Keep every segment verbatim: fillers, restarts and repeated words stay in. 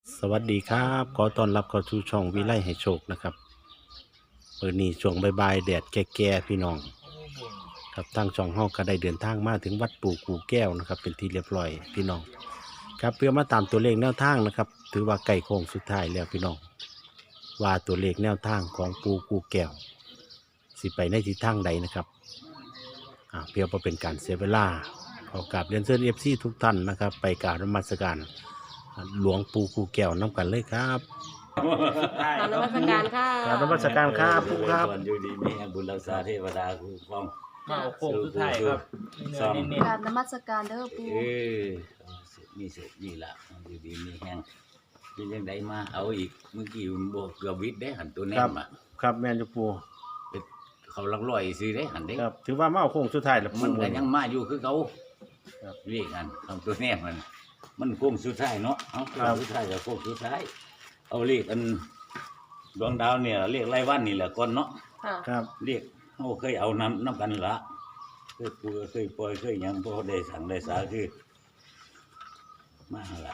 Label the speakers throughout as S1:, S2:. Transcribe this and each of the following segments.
S1: สวัสดีครับขอต้อนรับเข้าสู่ช่องวิไลให้โชคนะครับเปิดนี้ช่วงบ่ายๆแดดแก่ๆพี่น้องครับทางช่องเฮาก็ได้เดินทางมาถึงวัดปู่กู่แก้วนะครับเป็นที่เรียบร้อยพี่น้องครับเพื่อมาตามตัวเลขแนวทางนะครับถือว่าใกล้โค้งสุดท้ายแล้วพี่น้องว่าตัวเลขแนวทางของปู่กู่แก้วสิไปในทิศทางใดนะครับอ่าเพื่อบ่เป็นการเสียเวลาขอกราบเรียนเชิญ เอฟ ซี ทุกท่านนะครับไปกราบนมัสการหลวงปู่กู่แก้วน้ำกันเลยครับ
S2: กราบนมัสการค่ะ
S1: กราบนมัสการครับปู่ครับ
S3: ส่วนอยู่ดีมีแห่งบุญรักษาเทวดาคุ้มครอง
S4: มาเอาโค้งสุดท้ายครับ
S3: สอง
S4: เน้น
S2: กราบนมัสการเด้อปู
S3: เออมีสุขนี่ละอยู่ดีมีแห่งมียังไดมาเอาอีกเมื่อกี้มันบอกเกือบวิทย์ได้หันตัวแน
S1: ครับ
S3: มอ่ะ
S1: ครับแม่นจูปู
S3: เขาลักลอยซื้อได้หันได้
S1: ครับถือว่ามาเอาโค้งสุดท้ายแล้ว
S3: มัน
S1: ปู
S3: ก็ยังมาอยู่คือเขา
S1: ครับ
S3: เรียกกันทำตัวแนมมัน มันโค้งสุดท้ายเนาะเอาโค้งสุดท้ายกับโค้งสุดท้ายเอาเรียกอันดวงดาวเนี่ยเรียกไล่วันนี่แหละก่อนเนาะ
S2: ค่ะ
S1: ครับ
S3: เรียกเขาเคยเอาน้ำน้ำกันละเคยปูเคยปล่อยเคยหยังพอได้สั่งได้สาคือมาละ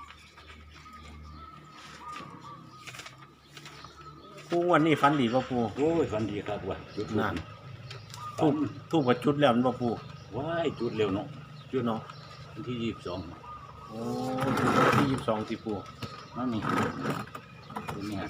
S1: ปูงวันนี้ฟันดีป่ะปู
S3: โอ้ยฟันดีครับว่ะจุด
S1: นั่น
S3: ทู
S1: ทู
S3: บบ
S1: ทูบกับจุดแล้วมันป่ะปู
S3: ว้ายจุดเร็วเนาะ
S1: จุดเนาะ
S3: วันที่ยี่สิบสอง
S1: โอ้จุดวันที่ยี่สิบสองที่ปู
S3: นั่นนี่ตัวเนี้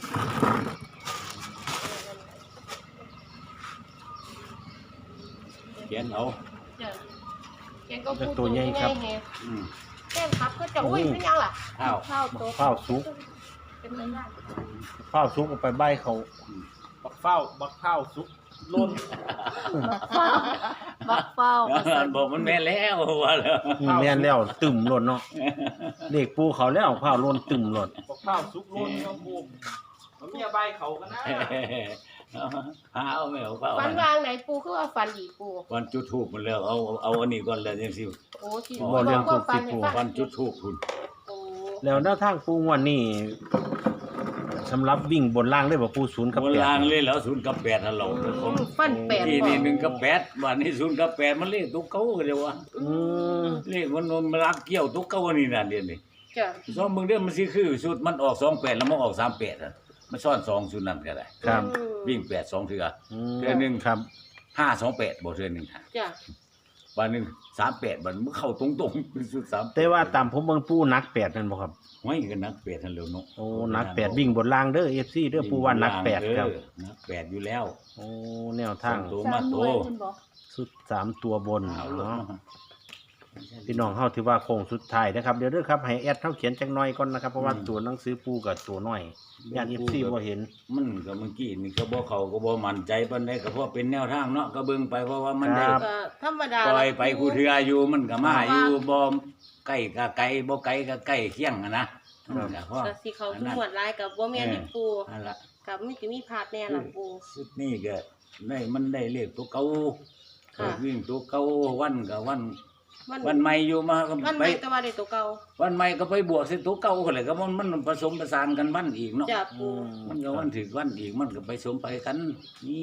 S3: เขียนเอา
S2: จ้ะแกงก็พูด
S1: ตัวใหญ่ครับ
S2: ไง
S3: อืม
S2: แกงครับก็จะอุ้ยเป็นยังล่ะ
S3: ข้าว
S2: ข้าวโต
S1: ข้าวสุก
S2: เป็นไรได้
S1: ข้าวสุกเอาไปใบเขา
S4: ๆบักเฝ้าบักข้าวสุกล้น
S2: บักเฝ้าบักเฝ้า
S3: บอกมันแม่นแล้วว่าแล้ว
S1: อืมแม่นแล้วตึมหล่นเนาะเด็กปูเขาแล้วข้าวหล่นตึมหล่น
S4: บักข้าวสุกล้นครับบูมมันมีใบเขากันนะ
S3: หาเอาไม่เอาเปล่า
S2: ฟันวางไหนปูคือว่าฟันดีปู
S3: วันจุดทูบมันแล้วเอาเอาอันนี้ก่อนแล้วยังสิ
S2: โอ้ที่
S1: บ่เรื่อง
S2: ก็
S1: ทูบ
S2: ฟั
S1: ที่
S2: น
S1: ปู
S3: วันจุดทูบคุณ
S2: โอ้
S1: แล้วแนวทางปูงวันนี้สำหรับวิ่งบนล่างได้บ่ปูศูนย์กับ
S3: โบ
S1: แปด
S3: ราณเลยแล้วศูนย์กับแปดฮัลโหลผม
S2: ฟันแปด
S3: ที่
S2: บ่
S3: นี่หนึ่งกับแปดวันนี้ศูนย์กับแปดมันเลขตุ๊กเก้ากันเลยวะ
S1: อืม
S3: เลขมันมันรักเกี่ยวตุ๊กเก้านี่น่ะเดี๋ยวนี้
S2: จ้ะ
S3: สองมึงเด้อมันสิคือสุดมันออกสองแปดแล้วมันออกสามแปดอ่ะมันซ่อนสองศูนย์นั่นก็ได้
S1: ครับ
S2: อืม
S3: วิ่งแปดสองเถื่อ
S1: อืม
S3: เทื่อหนึ่ง
S1: ครับ
S3: ห้าสองแปดบ่เทื่อหนึ่งค่ะ
S2: จ้ะ
S3: วันหนึ่งสามแปดมันมันเข้าตรงๆเป็นสุดสาม
S1: แต่ว่าตามผมเบิ่งปูนักแปดนั่นบ่ครับ
S3: ไว้กันนักแปดทันเร็วเนาะ
S1: โอ้นักแปดวิ่งบนล่างเด้อ เอฟ ซี เด้อปูว่านักแปดครับ
S3: เออนักแปดอยู่แล้ว
S1: โอ้แนวทาง
S3: ตัว
S2: สามหน่วยคุณบอก
S1: สุดสามตัวบน
S3: เอาลง
S1: เนาะ
S3: มา
S1: พี่น้องเฮาถือว่าโค้งสุดท้ายนะครับเดี๋ยวเด้อครับให้แอดเฮาเขียนจักหน่อยก่อนนะครับเพราะว่าตัวหนังสือปูกับตัวน้อยญาติ เอฟ ซี บ่เห็น
S3: มันก็เมื่อกี้นี่ก็บ่เข้าก็บ่มั่นใจปานใดก็เพราะเป็นแนวทางเนาะก็เบิ่งไปเพราะว่ามันได้
S1: ครับ
S2: ก็ธรรมดา
S3: ปล่อยไปกูเทืออยู่มันก็มาอยู่บ่ใกล้ก็ไกลบ่ไกลก็ใกล้เคียงอะนะมันก็พอ
S2: ก็สิเขาทุกหมวดลายกับบ่แม่นที่ปู
S3: นั่นล่ะ
S2: กับมันจะมีพาดแน่ล่ะปู
S3: สุดนี้ก็ได้มันได้เลขตัวเก่า
S2: ค่ะ
S3: วิ่งตัวเก่าวันก็วัน
S2: มัน
S3: วันใหม่อยู่มาก็
S2: มัน
S3: ไป
S2: ไม่แต่ว่าได้ตัวเก่า
S3: วันใหม่ก็ไปบวกใส่ตัวเก่าก็เลยก็มันมันผสมประสานกันวันอีกเนาะ
S2: จ้ะปู
S3: มันก็วันถึงวันอีกมันก็ไปสมไปกันนี่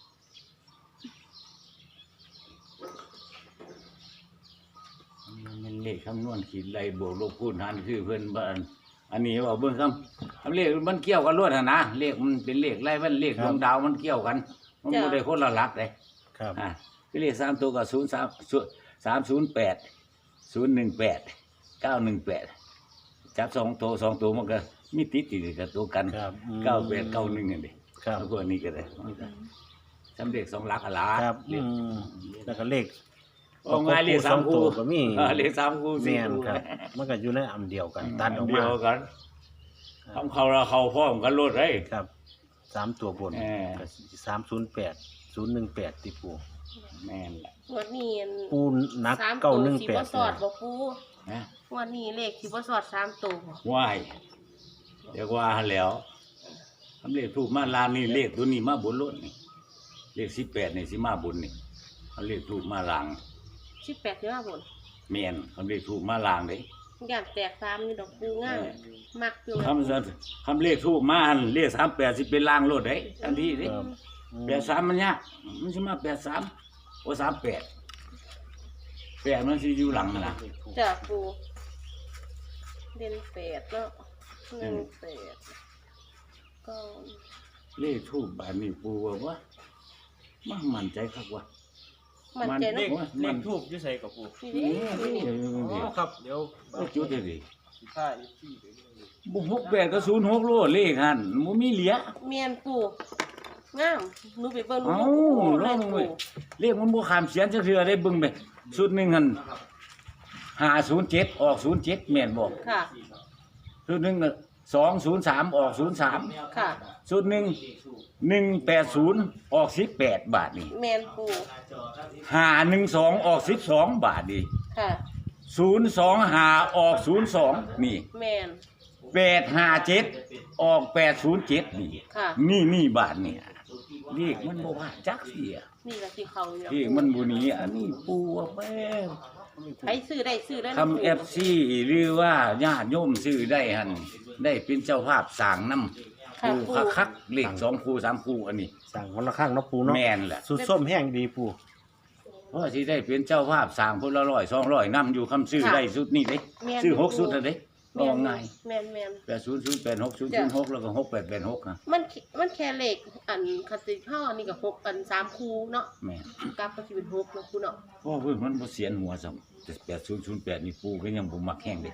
S3: มันเลขคำนวณขีดไรบวกลบคูณหารคือเพื่อนบ้านอันนี้ว่าเบื้องคำคำเลขมันเกี่ยวกันรวดนะเลขมันเป็นเลขไรมันเลขดวงดาวมันเกี่ยวกัน มันไม่ได้คนละหลักเลย
S1: ครับ
S3: อ่าคือเลขสามตัวกับศูนย์สามสามศูนย์แปดศูนย์หนึ่งแปดเก้าหนึ่งแปดจับสองตัวสองตัวมันก็มีติดติดกับตัวกัน
S1: ครับอืม
S3: เก้าแปดเก้าหนึ่งนี่ดิ
S1: ครับ
S3: แล้วพวกนี้ก็ได้สำเร็จสองหลักอะล่ะ
S1: ครับ
S3: เล
S1: อื
S3: ข
S1: มแล้วก็เลข
S3: เอาง่ายเลขสาม
S1: ตั
S3: คู่
S1: วก็มี
S3: อ่าเลขสามคู่สี่
S1: แม่น
S3: คู่
S1: ครับ มันก็อยู่ในอันเดียวกัน ตัดออก
S3: เดี
S1: มา
S3: ยวกันทำเขาเราเขาพร้อมกันรถเลย
S1: ครับสามตัวบน
S3: เออ
S1: ก็สามศูนย์แปดศูนย์หนึ่งแปดที่ปู
S3: แม่นแหละ
S2: งวดนี้อัน
S1: ปูนัก
S2: สาม
S1: เก้า
S2: ตัว
S1: หนึ่ง
S2: สิ
S1: แป
S2: บ่
S1: ด
S2: สอดบ่ปู
S3: นะ
S2: งวดนี้เลขสิบ่สอดสามตัวบ่
S3: ว่ายเดี๋ยวว่าแล้วทำเลขถูกมาลางนี่เลขตัวนี้มาบนรถนี่เลขสิบแปดนี่สิมาบนนี่ทำเลขถูกมาลาง
S2: สิบแปดสิบห้าบน
S3: แม่นทำเลขถูกมาลางเลย
S2: ย่านแตกสามนี่ดอกปูง่ายมักอยู่
S3: คำสัตคำเลขถูกมาหั่นเลขสามแปดสิเป็นลางรถได้ทันทีเด้
S1: ครับอืม
S3: แปดสามมันยากมันสิมาแปดสามโอ้สามแปดแปดมันสิอยู่หลังนั่นนะ
S2: จ้ะปูเด่นแปดเนาะหนึ่งแปดเก้า
S3: เลขทูบบานนี้ปูว่าว่ามันมั่นใจครับว่า
S2: มันใจ
S4: เล
S2: นะ
S4: ขเลขทูบอยู่ใส่กับปู
S2: นี่
S3: นี่
S2: ดิ
S3: นี่
S4: อ๋อครับเดี๋ยว
S3: ก็จุดเลยดิ
S4: สิท่าอีกที่เดี๋ยวนี้
S3: บุหกแปดก็ศูนย์หกโลเลขหันมันมีเหลีย
S2: เมียนปูงามหนูไปเบิ่งหนู
S3: เอ้า
S2: ปู
S3: ล
S2: เล
S3: อง
S2: ย
S3: ลง
S2: ปู
S3: เว้ยเลขมันบ่ขามเสียนจักเทื่อได้เบิ่งไปชุดหนึงหันห้าศูนย์เจ็ดออกศูนย์เจ็ดแม่นบ่
S2: ค่ะ
S3: ชุดหนึงก็สองศูนย์สามออกศูนย์สาม
S2: ค่ะ
S3: ชุดหนึงหนึ่งแปดศูนย์ออกสิบแปดบาทนี่
S2: เมียนปู
S3: ห้าหนึ่งสองออกสิบสองบาทนี่
S2: ค่ะ
S3: ศูนย์สองห้าออกศูนย์สองนี่
S2: เมียน
S3: แปดห้าเจ็ดออกแปดศูนย์เจ็ดนี่
S2: ค่ะ
S3: นี่นี่บาทเนี่ยเลขมันบ่ว่าจักเสีย
S2: นี่ละที่เขาอยู่
S3: เลขมันบ่หนีอันนี้ปูว่าแป้ง
S2: ใครซื้อได้ซื้อได้นะ
S3: ทำ เอฟ ซีหรือว่าญาติโยมซื้อได้หั่นได้เป็นเจ้าภาพสร้างนำ
S2: ค่ะ
S3: ปู
S2: ปู
S3: คักๆเลขสองคูสามคูอันนี้
S1: สั่งคนละข้างเนาะปูเนาะ
S3: แม่นแหละ
S1: สุดส้มแห้งดีปู
S3: เพราะสิได้เป็นเจ้าภาพสร้างพุ่นละร้อยสองร้อยนำอยู่คำซื้อได้สุดนี่เด้
S2: แม่น
S3: ซื้อหกสุดแล้วเด้ล
S2: แม่
S3: อน งง่าย
S2: แม่นแม่น
S3: แปดศูนย์ศูนย์แปดหกศูนย์ศูนย์หกแล้วก็หกแปดแปดหกนะ
S2: มันมันแค่เลขอันคติห่อนี่ก็หกอันสามคูเนาะ
S3: แม่น
S2: กลับก็สิเป็นหกเนาะคูเนาะ
S3: เพราะเพิ่นมันบ่เสียนหัวซ้ำแต่แปดศูนย์ศูนย์แปดนี่ปูก็ยังบ่มักแห้งเด้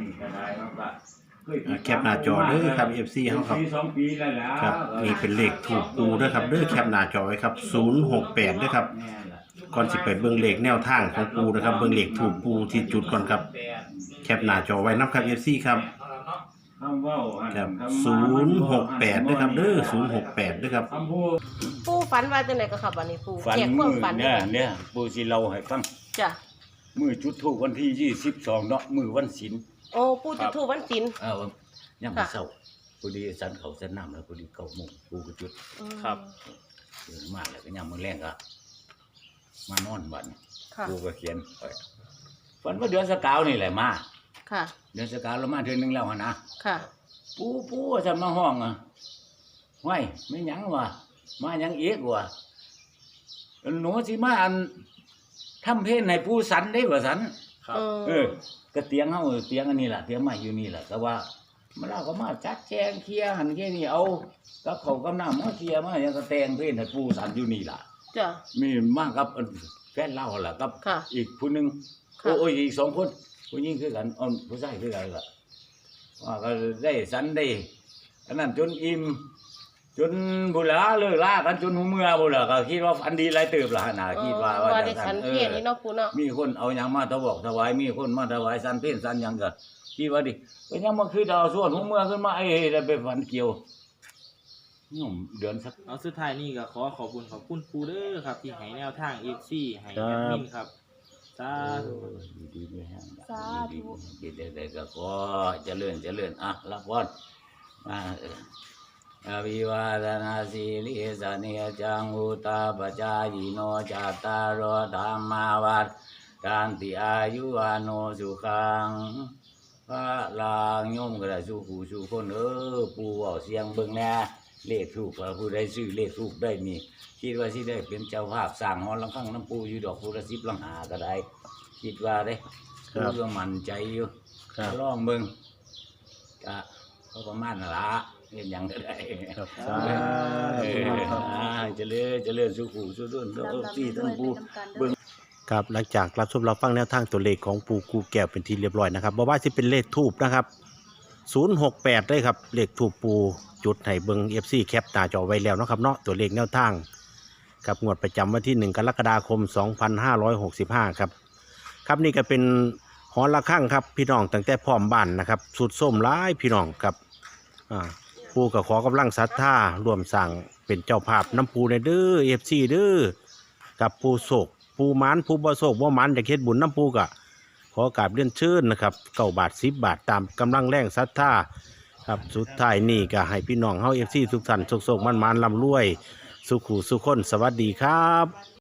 S1: อ่าแคปหน้าจอเด้อครับ เอฟ ซี เฮาครับ
S3: สองปีแล้วล่ะ
S1: ครับนี่เป็นเลขถูกปูเด้อครับเด้อแคปหน้าจอไว้ครับศูนย์หกแปดเด้อครับก่อนสิไปเบิ่งเลขแนวทางของปูนะครับเบิ่งเลขถูกปูที่จุดก่อนครับแคปหน้าจอไว้นํครับ เอฟ ซี ครับ
S3: คำเว้าหั่น
S1: ครับ
S3: คำ
S1: ศูนย์หกแปดเด้อครับเด้อศูนย์หกแปดเด้อครับ
S3: คำพูด
S2: ปูฝันว่าจังไดก็ครับวันนี้ปู
S3: ฝัน
S2: แจกค
S3: มื
S2: วาม
S3: อ
S2: ฝัน
S3: เนี่ยเนี่ยปูสิเล่าให้ฟัง
S2: จ้ะ
S3: มือจุดธูปวันที่ยี่สิบสองเนาะมือวันศีล
S2: โอ้ปูจุดธูปวันศีล
S3: เออย่ามมื้อเช้าพอดีสันเขาสันน้ำแล้วพอดีเก้าโมงปูก็จุด
S2: อืม
S4: ครับ
S3: เดินมาแล้วก็ย่ามมื้อแรงก็มานอนบัดนี้
S2: ค่ะ
S3: ปูก็เขียนไปฝันว่าเดือนสกาวนี่แหละมา
S2: ค่ะ
S3: เดือนสกาวเรามาเทื่อนึงแล้วหั่นนะ
S2: ค่ะ
S3: ปูปูว่าจะมาห้องอ่ะห้วยไม่หยังวะมาหยังเอกวะหนูสิมาอันทำเพลงให้ปูสันได้ว่าสัน
S4: ครับ
S2: เอ
S3: เอ
S2: อ
S3: อก็เตียงเฮาเตียงอันนี้ล่ะเตียงใหม่อยู่นี่ล่ะแต่ว่ามันเราก็มาจัดแจงเคลียร์หันแค่นี้เอากับเขาวกับน้ำมาเคลียร์มาหยังก็แต่งเพลงให้ปูสันอยู่นี่ล่ะ
S2: จ้ะ
S3: มีมากกับอันแฟนเล่าล่ะกับ
S2: ค่ะ
S3: อีกผู้หนึง
S2: ค่ะ
S3: โอ้ยอีกสองคนผู้หญิงคือกันอ่อนผู้ชายคือกันล่ะว่าก็ได้สันได้อันนั้นจนอิ่มจนบุหลาเลิกลากันจนหัวเมื่อบุหลาก็คิดว่าฝันดีหลายเติบล่ะน่ะคิดว่าว่า
S2: ว่า
S3: จั
S2: ได้
S3: งซั่
S2: สั
S3: น
S2: น
S3: เอ
S2: เพีย
S3: อ
S2: นี่เนาะปูเนาะ
S3: มีคนเอาหยังมาถวอกถวายมีคนมาถวายสันเพลสันหยังก็คิดว่าดิก็ยังมาคือดาวส่วนหัวเมื่อขึ้นมาเอ้ยได้ไปฝันเกี่ยวโยมเดือนสัก
S4: เอาสุดท้ายนี่ก็ขอขอบคุณขอบคุณปูเด้อครับที่ให้แนวทาง เอฟ ซี ให้
S1: ครั
S4: แบบ บมินครับสาธุ
S3: ดีๆไม่แห้ง
S2: สาธุ
S3: ดีๆได้ๆก็ขอเจริญเจริญอ่ะรับพรมาเอออภิวาทนาสีลิสเนจังอุตาปจายโนจัตตารโอธรรมาวัฏการติอายุวโนสุขังพระลางโยมกระสุขูสุคนเออปู่เว้าเสียงเบิ่งแน่เลขถูกว่าผู้ใดซื้อเลขถูกได้นี่คิดว่าสิได้เป็นเจ้าภาพสร้างหอลังคังน้ำปูอยู่ดอกพุทธสิบลังหาก็ได้คิดว่าได้
S1: ครับ
S3: เรื่องมั่นใจอยู่
S1: ครับ
S3: ลองเบิ่งก็เขาประมาณนั่นละเห็นหยังก็ได้
S1: ครับสา
S3: เอ
S1: ธุ
S3: อ
S1: ครับ
S3: อ่าเจริญเจริญสุขุสุขนเออที่ทั้งปูเบิ่ง
S1: ครับหลังจากรับชมรับฟังแนวทางตัวเลขของปูกูแก้วเป็นที่เรียบร้อยนะครับบ่ว่าสิเป็นเลขทูบนะครับศูนย์หกแปดเลยครับเลขทูบปูจุดให้เบิ่ง เอฟ ซี แคปหน้าจอไว้แล้วเนาะครับเนาะตัวเลขแนวทางกับงวดประจำวันที่หนึ่งกรกฎาคมสองพันห้าร้อยหกสิบห้าครับครับนี่ก็เป็นหอระฆังครับพี่น้องตั้งแต่พร้อมบ้านนะครับสุดส้มร้ายพี่น้องครับอ่าปูก็ขอกำลังศรัทธารวมสั่งเป็นเจ้าภาพน้ำปูในเด้อ เอฟ ซี เด้อกับปูโศกปูหมันปูบ่โศกบ่หมันอยากเฮ็ดบุญน้ำปูกะขอกราบเรียนเชิญนะครับเก้าบาทสิบบาทตามกำลังแรงศรัทธาครับสุดท้ายนี่ก็ให้พี่น้องเฮา เอฟ ซี ทุกท่านโชคๆมันๆร่ำรวยสุขุสุขคนสวัสดีครับ